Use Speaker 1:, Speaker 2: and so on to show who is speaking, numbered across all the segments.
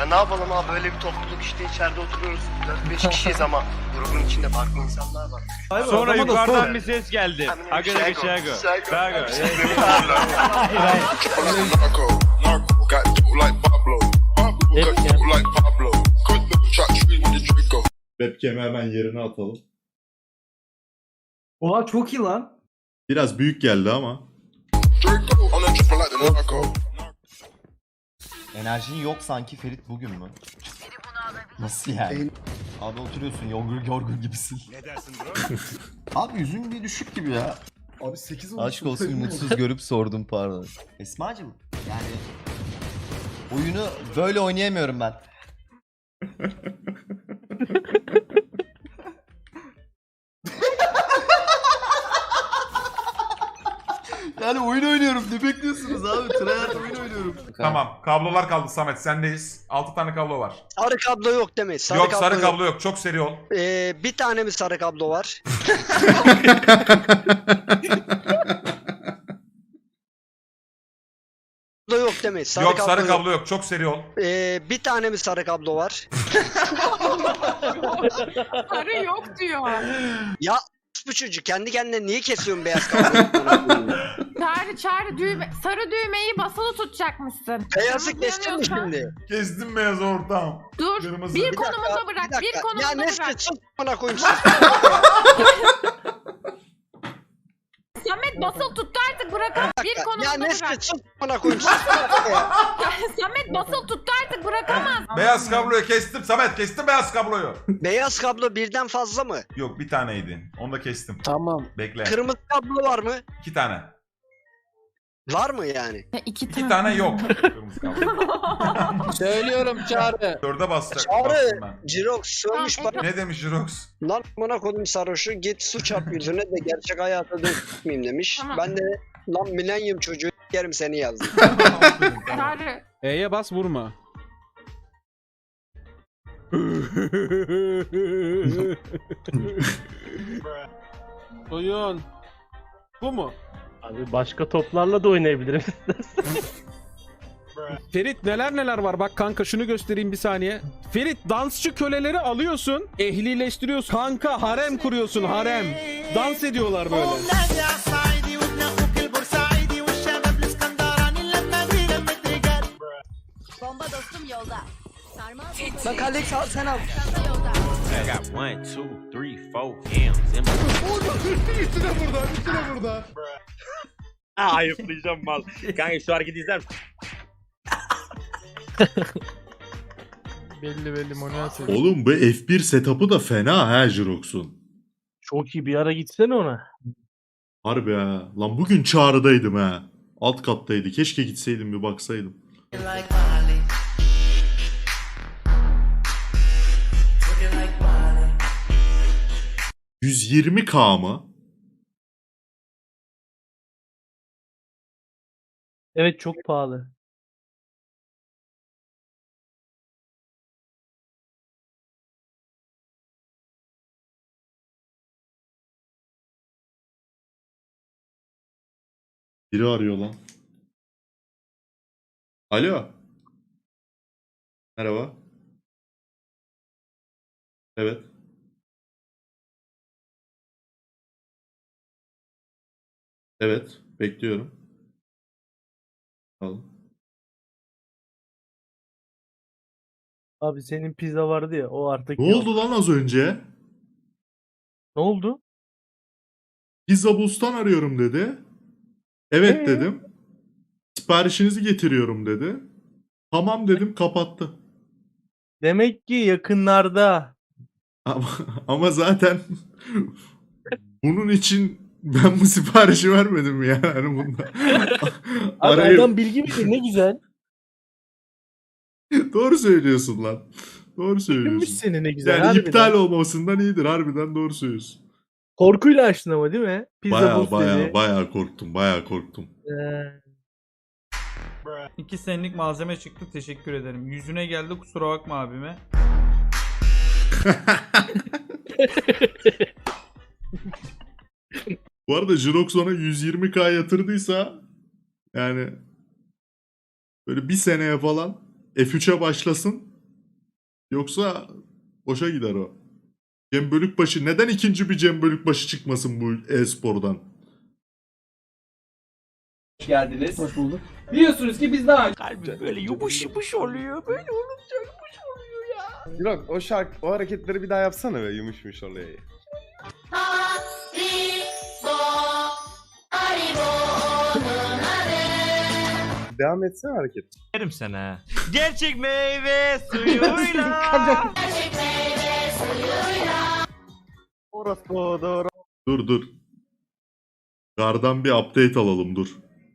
Speaker 1: Ya ne yapalım abi, böyle bir topluluk işte, içeride oturuyoruz. 4-5 kişiyiz ama grubun içinde farklı insanlar var.
Speaker 2: Sonra yukarıdan bir ses geldi. Aga da Şago.
Speaker 3: Webcam'i hemen yerine atalım.
Speaker 4: Oha çok iyi lan.
Speaker 3: Biraz büyük geldi ama.
Speaker 5: Enerjin yok sanki Ferit bugün mü? Nasıl yani? Abi oturuyorsun yorgun gibisin.
Speaker 2: Ne dersin bro?
Speaker 5: Abi yüzün bir düşük gibi ya.
Speaker 4: Abi 8 olmuş.
Speaker 5: Aşk olsun mutsuz görüp sordum pardon. Esma'cığım yani oyunu böyle oynayamıyorum ben. Yani oyun oynuyorum. Ne bekliyorsunuz abi? Tryhard oyun oynuyorum.
Speaker 6: Tamam. Kablolar kaldı Samet. Sendeyiz. 6 tane kablo var.
Speaker 1: Sarı kablo yok değil mi?
Speaker 6: Yok sarı kablo yok. Çok seri ol.
Speaker 1: Bir tane mi sarı kablo var? Kablo yok değil mi?
Speaker 6: Yok sarı kablo yok. Çok seri ol.
Speaker 1: Bir tane mi sarı kablo var?
Speaker 7: Sarı yok diyor.
Speaker 1: Ya bu çocuk kendi kendine niye kesiyorsun beyaz kabloyu?
Speaker 7: Çağrı düğme, sarı düğmeyi basılı tutacakmışsın.
Speaker 1: Beyazı
Speaker 7: Yalnız
Speaker 1: kestin mi
Speaker 7: yanıyorsa-
Speaker 1: şimdi?
Speaker 6: Kestim beyaz ortam.
Speaker 7: Dur.
Speaker 6: Kırmızı.
Speaker 7: Bir
Speaker 6: Bir
Speaker 7: konumunda bırak. Bir konumunda
Speaker 1: Ya Nesli
Speaker 7: bırak.
Speaker 1: sus bana koyayım sus.
Speaker 7: Samet basılı tuttu artık bırakamaz. Bir
Speaker 1: Ya
Speaker 7: konumunda
Speaker 1: Nesli
Speaker 7: bırak.
Speaker 1: sus bana koyayım sus.
Speaker 7: Samet basılı tuttu artık bırakamaz.
Speaker 6: Beyaz kabloyu kestim Samet. Kestim beyaz kabloyu.
Speaker 1: Beyaz kablo birden fazla mı?
Speaker 6: Yok bir taneydi. Onu da kestim.
Speaker 4: Tamam.
Speaker 6: Bekle.
Speaker 1: Kırmızı kablo var mı?
Speaker 6: 2 tane.
Speaker 1: Var mı yani?
Speaker 7: İki
Speaker 6: 2 tane yok. Kırmızı kablo.
Speaker 4: Söylüyorum Çağrı.
Speaker 6: 4'e basacak.
Speaker 1: Çağrı,
Speaker 6: Bastım ben.
Speaker 1: Jirox sövmüş
Speaker 7: Tamam,
Speaker 1: bana.
Speaker 6: Ne demiş Jirox?
Speaker 1: Lan bana kodum sarhoşu git su çarp yüzüne de gerçek hayata dönmeyeyim demiş.
Speaker 7: Tamam.
Speaker 1: Ben de lan milenyum çocuğu yerim seni yazdım.
Speaker 7: Çağrı.
Speaker 8: E'ye bas vurma. Oyun. Bu mu?
Speaker 9: Abi başka toplarla da oynayabilirim.
Speaker 8: Ferit neler var bak kanka şunu göstereyim bir saniye. Ferit dansçı köleleri alıyorsun, ehlileştiriyorsun. Kanka harem kuruyorsun harem. Dans ediyorlar böyle.
Speaker 10: Bomba dostum yolda. Sarmal bomba
Speaker 1: Bak Alex al sen al.
Speaker 10: yolda.
Speaker 2: I got 1, 2, 3, 4 M's in my...
Speaker 9: Ayıplayacağım mal. Kanka şu hareketi izler misin?
Speaker 4: Belli monitör.
Speaker 3: Oğlum bu F1 setup'ı da fena ha Jirox'un.
Speaker 9: Çok iyi bir ara gitsene ona.
Speaker 3: Harbi ha. Lan bugün Çağrı'daydım ha. Alt kattaydı. Keşke gitseydim bir baksaydım. $120K mı?
Speaker 9: Evet çok pahalı.
Speaker 3: Biri arıyor lan. Alo. Merhaba. Evet. Evet. Bekliyorum. Al.
Speaker 9: Abi senin pizza vardı ya o artık
Speaker 3: Ne
Speaker 9: yok.
Speaker 3: oldu lan az önce?
Speaker 9: Ne oldu?
Speaker 3: Pizza Bus'tan arıyorum dedi. Evet
Speaker 9: Ee?
Speaker 3: dedim. Siparişinizi getiriyorum dedi. Tamam dedim, kapattı.
Speaker 9: Demek ki yakınlarda.
Speaker 3: Ama zaten bunun için ben bu siparişi vermedim ya. Yani bunda.
Speaker 9: Abi
Speaker 3: Arayıp-
Speaker 9: adam bilgi bilir ne güzel.
Speaker 3: Doğru söylüyorsun lan. Doğru
Speaker 9: Bilmiş
Speaker 3: söylüyorsun.
Speaker 9: seni ne güzel.
Speaker 3: Yani
Speaker 9: harbiden.
Speaker 3: iptal olmasından iyidir. Harbiden doğru söylüyorsun.
Speaker 9: Korkuyla açtın ama değil mi? Pizza
Speaker 3: Baya
Speaker 9: booth dedi.
Speaker 3: baya korktum. Baya korktum.
Speaker 4: 2 senelik malzeme çıktı, teşekkür ederim. Yüzüne geldi, kusura bakma abime.
Speaker 3: Bu arada Jirox ona 120K yatırdıysa yani böyle bir seneye falan F3'e başlasın. Yoksa boşa gider o. Cem Bölükbaşı. Neden ikinci bir Cem Bölükbaşı çıkmasın bu e-spordan?
Speaker 9: Hoş geldiniz. Hoş bulduk. Biliyorsunuz ki biz daha
Speaker 2: Kalbim böyle yumuş yumuş oluyor. Böyle
Speaker 11: Yok o şarkı, o hareketleri bir daha yapsana be yumuşmuş oluyor. Devam etsene hareket.
Speaker 2: yerim sana. Gerçek meyve suyuyla.
Speaker 11: Orası doğru.
Speaker 3: Dur. Gardan bir update alalım dur.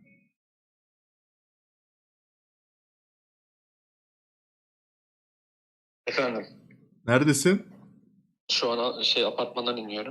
Speaker 1: Efendim.
Speaker 3: Neredesin?
Speaker 1: Şu an apartmandan iniyorum.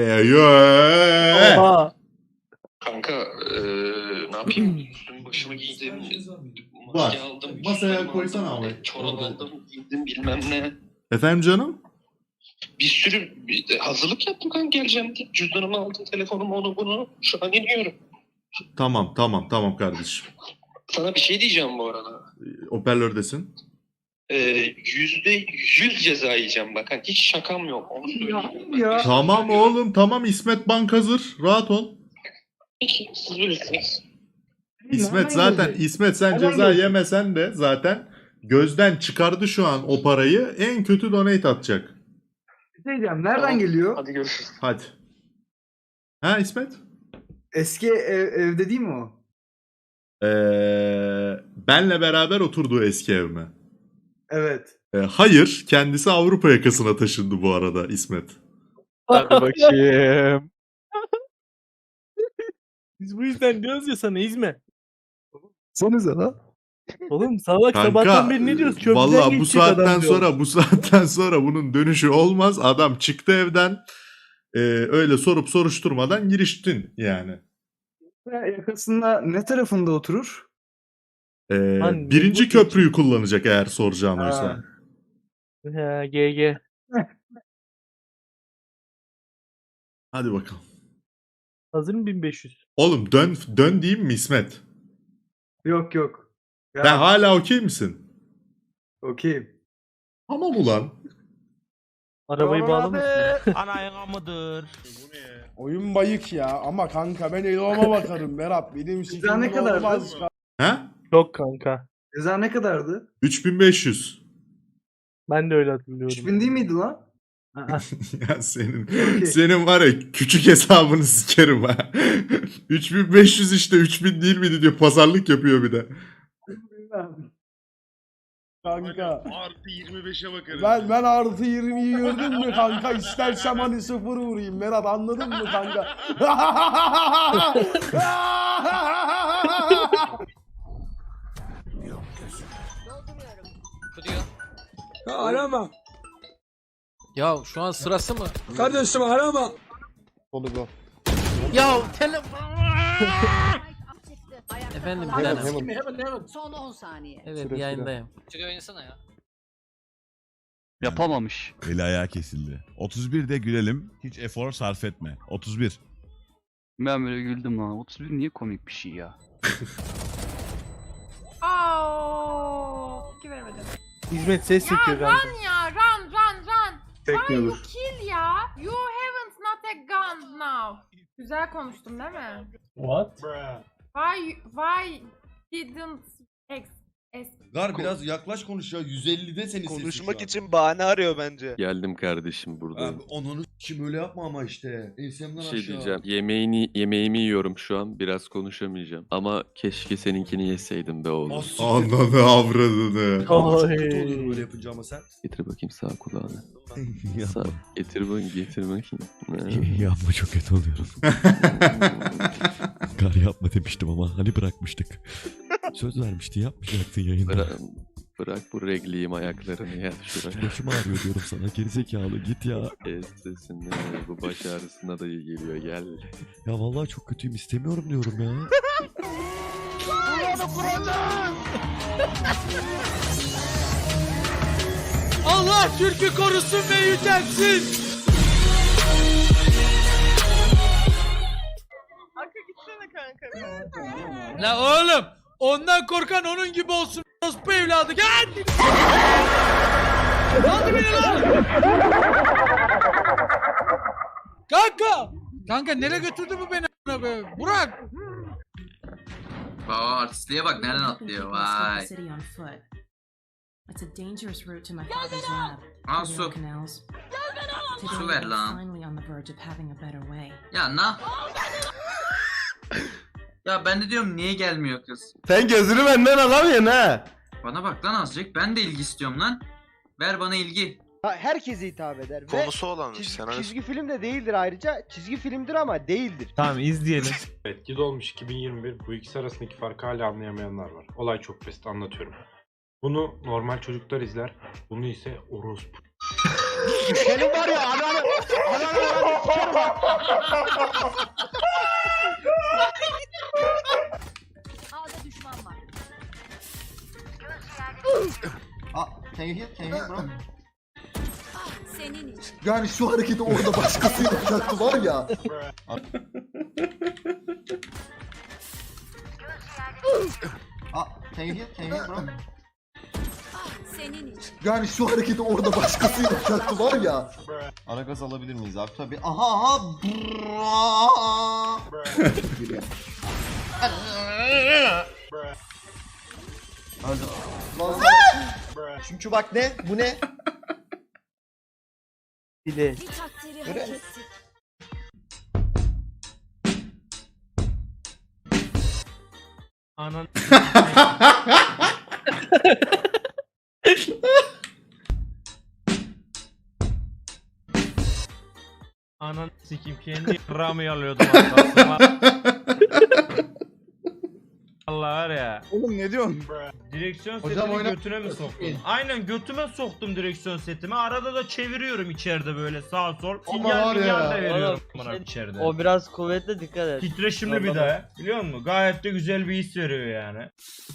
Speaker 9: Oha.
Speaker 1: Kanka ne yapayım? Üstümü başımı giydim.
Speaker 3: Var.
Speaker 1: Aldım.
Speaker 3: Masaya
Speaker 1: cüzdanımı
Speaker 3: koysana
Speaker 1: aldım,
Speaker 3: abi.
Speaker 1: Çorap aldım. Giydim bilmem ne.
Speaker 3: Efendim canım?
Speaker 1: Bir sürü hazırlık yaptım kanka geleceğim diye. Cüzdanımı aldım. Telefonumu onu bunu. Şu an iniyorum.
Speaker 3: Tamam kardeşim.
Speaker 1: Sana bir şey diyeceğim bu arada.
Speaker 3: Hoparlördesin.
Speaker 1: %100 ceza yiyeceğim bak. Hani hiç şakam yok. Onu söyleyeyim.
Speaker 3: Tamam oğlum tamam İsmet Bank hazır. Rahat ol.
Speaker 1: Peki, siz bilirsiniz.
Speaker 3: İsmet zaten İsmet sen ceza yemesen de zaten gözden çıkardı şu an o parayı. En kötü donate atacak.
Speaker 9: Nereden
Speaker 1: Tamam.
Speaker 9: geliyor?
Speaker 1: Hadi görüşürüz.
Speaker 3: Hadi. Ha İsmet?
Speaker 9: Eski evde değil mi o?
Speaker 3: Benle beraber oturduğu eski ev mi?
Speaker 9: Evet.
Speaker 3: Hayır. Kendisi Avrupa yakasına taşındı bu arada İsmet.
Speaker 8: Hadi bakayım. Biz bu yüzden diyoruz ya sana İzme.
Speaker 9: Sanıza la.
Speaker 8: Oğlum salak
Speaker 3: Kanka,
Speaker 8: sabahtan beri ne diyoruz? Köprüden
Speaker 3: Valla
Speaker 8: geçecek adam diyor.
Speaker 3: bu saatten sonra bunun dönüşü olmaz. Adam çıktı evden. Öyle sorup soruşturmadan giriştin yani.
Speaker 9: Yakasında ne tarafında oturur?
Speaker 8: Lan,
Speaker 3: Birinci
Speaker 8: bu-
Speaker 3: köprüyü kullanacak eğer soracağın oysa.
Speaker 8: Ha, GG.
Speaker 3: Hadi bakalım.
Speaker 8: Hazır mı 1500?
Speaker 3: Oğlum dön diyeyim mi İsmet?
Speaker 9: Yok. Ya,
Speaker 3: Sen hala okey misin?
Speaker 9: okeyim.
Speaker 3: Tamam ulan.
Speaker 8: Arabayı bağlamasın.
Speaker 2: Anayın mıdır?
Speaker 11: Oyun bayık ya ama kanka ben Elon'a bakarım Berat. Benim
Speaker 9: Ceza ne kadardı?
Speaker 3: Ha?
Speaker 8: Yok kanka.
Speaker 9: Ceza ne kadardı?
Speaker 3: 3500.
Speaker 8: Ben de öyle hatırlıyorum.
Speaker 9: 3000 değil miydi lan?
Speaker 3: Ya senin
Speaker 9: Okey.
Speaker 3: senin var ya küçük hesabını sikerim ha. 3500 işte 3000 değil miydi diyor pazarlık yapıyor bir de.
Speaker 11: Kanka.
Speaker 3: Artı 25'e bakarım.
Speaker 11: Ben artı 20'yi gördün mü kanka? İstersem hani 0 vurayım Berat anladın mı kanka?
Speaker 10: Dolduruyorum.
Speaker 9: Arama.
Speaker 12: Ya şu an sırası mı?
Speaker 9: Kardeşim arama.
Speaker 11: Polygon.
Speaker 12: Ya telefon.
Speaker 10: Çıktı. Ayakta
Speaker 12: Efendim
Speaker 10: kalan
Speaker 12: bir tane.
Speaker 10: son 10 saniye.
Speaker 12: Evet
Speaker 11: Süre.
Speaker 12: yayındayım.
Speaker 13: Yapamamış. Eli ayağı kesildi. 31'de gülelim. Hiç efor sarf etme. 31.
Speaker 12: Ben böyle güldüm lan. 31 niye komik bir şey ya?
Speaker 7: İki veremedim.
Speaker 8: Hizmet ses
Speaker 7: Ya
Speaker 8: çekiyor kanka.
Speaker 7: run ya run. Why you
Speaker 9: Bekliyordur.
Speaker 7: kill ya? You haven't not a gun now. Güzel konuştum değil mi?
Speaker 9: What?
Speaker 7: Why didn't
Speaker 5: Gar biraz yaklaş konuş ya. 150'de seni
Speaker 11: Konuşmak için bahane arıyor bence.
Speaker 2: Geldim kardeşim burada.
Speaker 5: Abi onu kim öyle yapma ama işte. Ensemden
Speaker 2: Bir
Speaker 5: aşağı.
Speaker 2: şey diyeceğim. Yemeğimi yiyorum şu an. Biraz konuşamayacağım. Ama keşke seninkini yeseydim be oğlum.
Speaker 3: Ananı avradını.
Speaker 5: Çok kötü olur böyle yapınca ama sen.
Speaker 2: Getir bakayım sağ kulağını. Sağ. Getir bakayım.
Speaker 13: Yapma çok kötü oluyorum. Gar yapma demiştim ama hani bırakmıştık. Söz vermiştin yapmayacaktın yayında.
Speaker 2: Bırak bu regliyim ayaklarını ya şuraya.
Speaker 13: Başım ağrıyor diyorum sana gerizekalı git ya.
Speaker 2: Sesinde bu baş ağrısına da iyi geliyor gel.
Speaker 13: Ya vallahi çok kötüyüm istemiyorum diyorum ya.
Speaker 12: Allah Türk'ü korusun ve yücelsin.
Speaker 10: Kanka gitsene kanka.
Speaker 12: La oğlum ondan korkan onun gibi olsun. Bu evladı gel. Lan
Speaker 11: Kanka nereye götürdü bu beni? Burak!
Speaker 12: Aa, artistliğe bak nereden atlıyor vay.
Speaker 10: It's a dangerous route to my father's lab.
Speaker 12: Aa su. Su ver lan.
Speaker 10: Finally on the verge of having a better way.
Speaker 12: Ya na. Ya ben de diyorum niye gelmiyor kız?
Speaker 5: Sen gözünü benden alamıyorsun ha.
Speaker 12: Bana bak lan azıcık. Ben de ilgi istiyorum lan. Ver bana ilgi.
Speaker 9: Herkese hitap eder.
Speaker 1: Konusu olanmış senaryosu.
Speaker 9: Çizgi film de değildir ayrıca. Çizgi filmdir ama değildir.
Speaker 8: Tamam izleyelim.
Speaker 11: Evet, yıl olmuş 2021. Bu ikisi arasındaki farkı hala anlayamayanlar var. Olay çok basit, anlatıyorum. Bunu normal çocuklar izler. Bunu ise orospu.
Speaker 9: Senin var ya ananı.
Speaker 10: A'da düşman var.
Speaker 5: Can you hear bro?
Speaker 10: Senin için.
Speaker 5: Yani şu hareketi orada başkası yapacaktı var ya. Can you hear bro?
Speaker 10: Senin için.
Speaker 5: Yani şu hareketi orada başkası yapacaktı var ya. Ara gaz alabilir miyiz abi? Tabii. Aha. Çünkü bak ne? Bu ne?
Speaker 9: Bile.
Speaker 10: Bir takdiri hak ettik.
Speaker 9: Anan. Anan sikim kendi ramı alıyordum aslında. Allah var ya.
Speaker 11: Oğlum ne diyorsun?
Speaker 9: Direksiyon
Speaker 11: Hocam
Speaker 9: setini götüne mi soktun? Aynen götüme soktum direksiyon setimi. Arada da çeviriyorum içeride böyle sağ sol. Sinyal da veriyorum bana içeride.
Speaker 14: O biraz kuvvetli, dikkat et.
Speaker 9: Titreşimli bir de. Biliyor musun? Gayet de güzel bir his veriyor yani.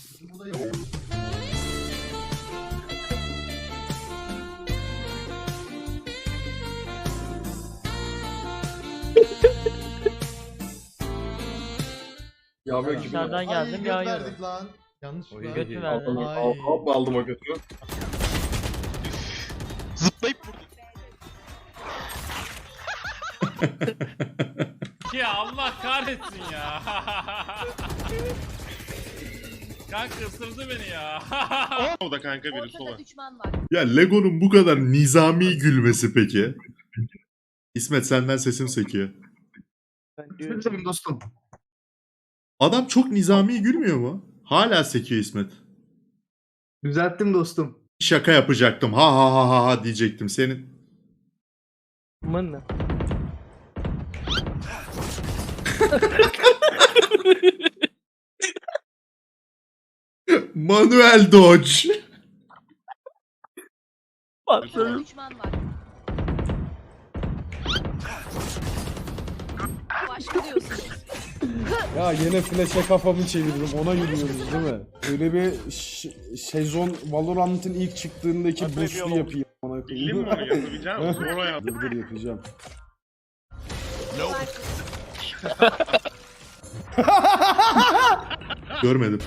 Speaker 14: Dışarıdan geldim yağıyorum.
Speaker 11: lan. Yanlış
Speaker 14: Götü verdim.
Speaker 1: Aldım o götü. Zıplayıp
Speaker 4: Ya Allah kahretsin ya. Kanka ısırdı beni ya.
Speaker 1: O da kanka biri sola.
Speaker 10: Ortada düşman var.
Speaker 3: Ya Lego'nun bu kadar nizami gülmesi peki? İsmet senden sesim sekiyor.
Speaker 1: Tabii dostum.
Speaker 3: Adam çok nizami gülmüyor mu? Hala sekiyor İsmet.
Speaker 9: Düzelttim dostum.
Speaker 3: Şaka yapacaktım. Ha ha ha ha ha diyecektim. Senin
Speaker 14: Mın.
Speaker 3: Manuel Dodge.
Speaker 10: Ortada düşman var. Başlıyorsunuz.
Speaker 11: Ya yine flash'e kafamı çevirdim. Ona yürüyoruz değil mi? Öyle bir sezon Valorant'ın ilk çıktığındaki boost'u yapayım. Ona
Speaker 1: Bildim mi onu yapabileceğim? Sonra yap.
Speaker 11: Dur yapacağım.
Speaker 3: Görmedim.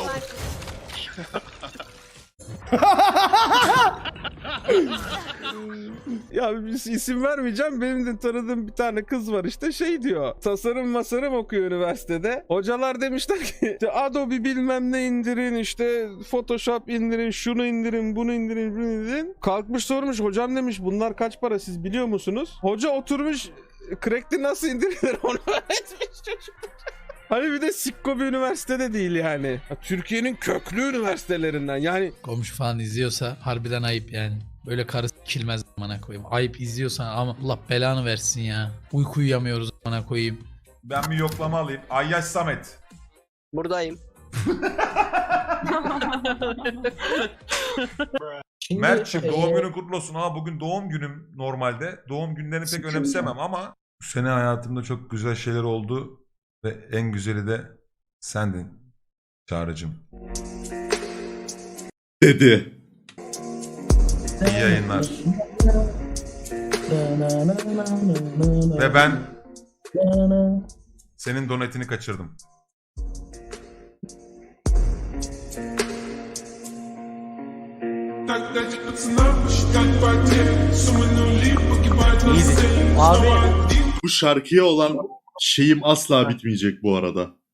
Speaker 8: Ya bir isim vermeyeceğim. Benim de tanıdığım bir tane kız var işte şey diyor. Tasarım okuyor üniversitede. Hocalar demişler ki işte Adobe bilmem ne indirin, işte Photoshop indirin, şunu indirin, bunu indirin, bunu indirin. Kalkmış sormuş, hocam demiş bunlar kaç para siz biliyor musunuz? Hoca oturmuş Crack'ti nasıl indirilir onu öğretmiş çocuk. Hani bir de sikko bir üniversitede değil yani. Türkiye'nin köklü üniversitelerinden yani.
Speaker 14: Komşu falan izliyorsa harbiden ayıp yani. Böyle karı s**kilmez amına koyayım. Ayıp izliyorsan ama Allah belanı versin ya. Uyku uyuyamıyoruz amına koyayım.
Speaker 6: Ben bir yoklama alayım. Ayyaş Samet.
Speaker 14: Buradayım.
Speaker 6: Mert'cim doğum günün kutlu olsun. Ha bugün doğum günüm normalde. Doğum günlerini pek önemsemem ama bu sene hayatımda çok güzel şeyler oldu ve en güzeli de sendin Çağrı'cım.
Speaker 3: Dedi.
Speaker 6: İyi yayınlar. Ve ben senin donetini kaçırdım.
Speaker 3: Bu şarkıya olan şeyim asla bitmeyecek bu arada.